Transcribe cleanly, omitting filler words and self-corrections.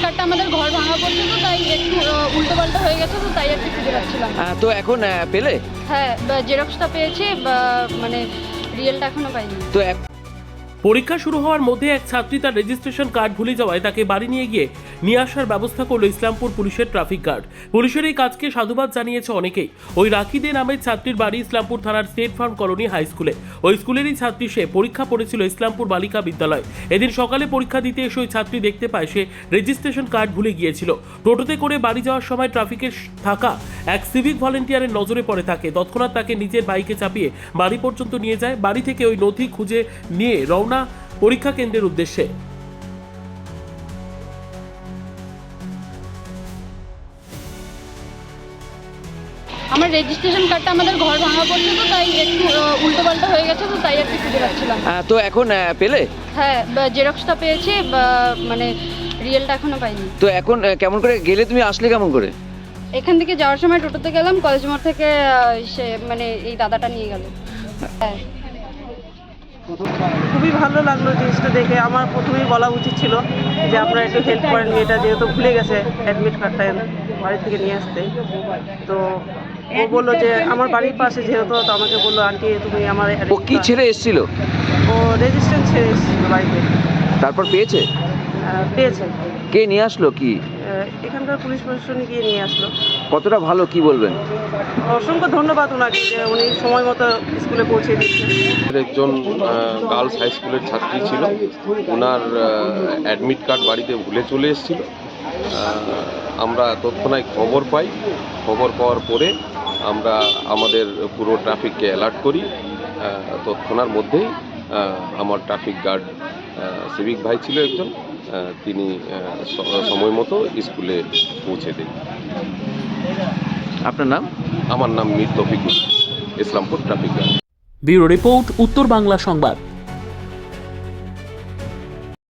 কার্ডটা আমাদের ঘর ভাঙা পড়ছে, তো তাই একটু উল্টোপাল্টা হয়ে গেছে, তো তাই একটু খুঁজে পাচ্ছিলাম। তো এখন পেলে? হ্যাঁ, জেরক্সটা পেয়েছি, মানে রিয়েলটা এখনো পাইনি। তো পরীক্ষা শুরু হওয়ার মধ্যে এক ছাত্রী তার রেজিস্ট্রেশন কার্ড ভুলে যাওয়ায় তাকে বাড়ি নিয়ে আসার ব্যবস্থা করলো ইসলামপুর পুলিশের ট্রাফিক গার্ড। পুলিশের এই কাজকে সাধুবাদ জানিয়েছে অনেকেই। ওই রাখি দে নামের ছাত্রীর বাড়ি ইসলামপুর থানার স্টেট ফার্ম কলোনি হাই স্কুলে। ওই স্কুলেরই ছাত্রী সে। পরীক্ষা পড়েছিল ইসলামপুর বালিকা বিদ্যালয়। এদিন সকালে পরীক্ষা দিতে এসে ওই ছাত্রী দেখতে পায় সে রেজিস্ট্রেশন কার্ড ভুলে গিয়েছিল। টোটোতে করে বাড়ি যাওয়ার সময় ট্রাফিকের থাকা এক সিভিক ভলেন্টিয়ারের নজরে পড়ে থাকে। তৎক্ষণাৎ তাকে নিজের বাইকে চাপিয়ে বাড়ি পর্যন্ত নিয়ে যায়। বাড়ি থেকে ওই নথি খুঁজে নিয়ে রওনা পরীক্ষা কেন্দ্রের উদ্দেশ্যে। আমার রেজিস্ট্রেশন কার্ডটা আমাদের ঘর ভাঙা পড়ছে, তো তাই একটু উল্টোপাল্টা হয়ে গেছে, তো তাই একটু খুঁজে পাচ্ছিলাম। তো এখন পেলে? হ্যাঁ, জেরক্সটা পেয়েছি, মানে রিয়েলটা এখনো পাইনি। তো এখন কেমন করে গেলে, তুমি আসলে কেমন করে? এখান থেকে যাওয়ার সময় টোটোতে গেলাম, কলেজ মোড় থেকে সে মানে এই দাদাটা নিয়ে গেল। হ্যাঁ, খুবই ভালো লাগলো জিনিসটা দেখে। আমার প্রথমেই বলা উচিত ছিল যে আপনারা একটু হেল্প করেন, এটা যেহেতু ভুলে গেছে অ্যাডমিট কার্ডটা বাড়ি থেকে নিয়ে আসতে। তো ও বললো যে আমার বাড়ির পাশে যেহেতু, তো আমাকে বললো আন্টি তুমি আমার ও কি ছেড়ে এসেছিল? ও রেজিস্ট্রেশন ছেড়ে এসেছিল বাড়িতে। তারপর পেয়েছে? পেয়েছে। কে নিয়ে আসলো? কি এখানকার পুলিশ প্রশাসন গিয়ে নিয়ে আসলো। কতটা ভালো, কি বলবেন? অসংখ্য ধন্যবাদ ওনাকে যে উনি সময় মতো স্কুলে পৌঁছে দিচ্ছেন। একজন গার্লস হাই স্কুলের ছাত্রী ছিল, ওনার অ্যাডমিট কার্ড বাড়িতে ভুলে চলে এসেছিল। আমরা তৎক্ষণাৎ খবর পাই। খবর পাওয়ার পরে আমরা আমাদের পুরো ট্রাফিককে অ্যালার্ট করি। তৎক্ষণার মধ্যেই আমার ট্রাফিক গার্ড সিভিক ভাই ছিল একজন, তিনি সময় মতো স্কুলে পৌঁছে দেন। আপনার নাম? আমার নাম Mir Toufikul, Islampur traffic guard. Bureau report, উত্তর বাংলা সংবাদ।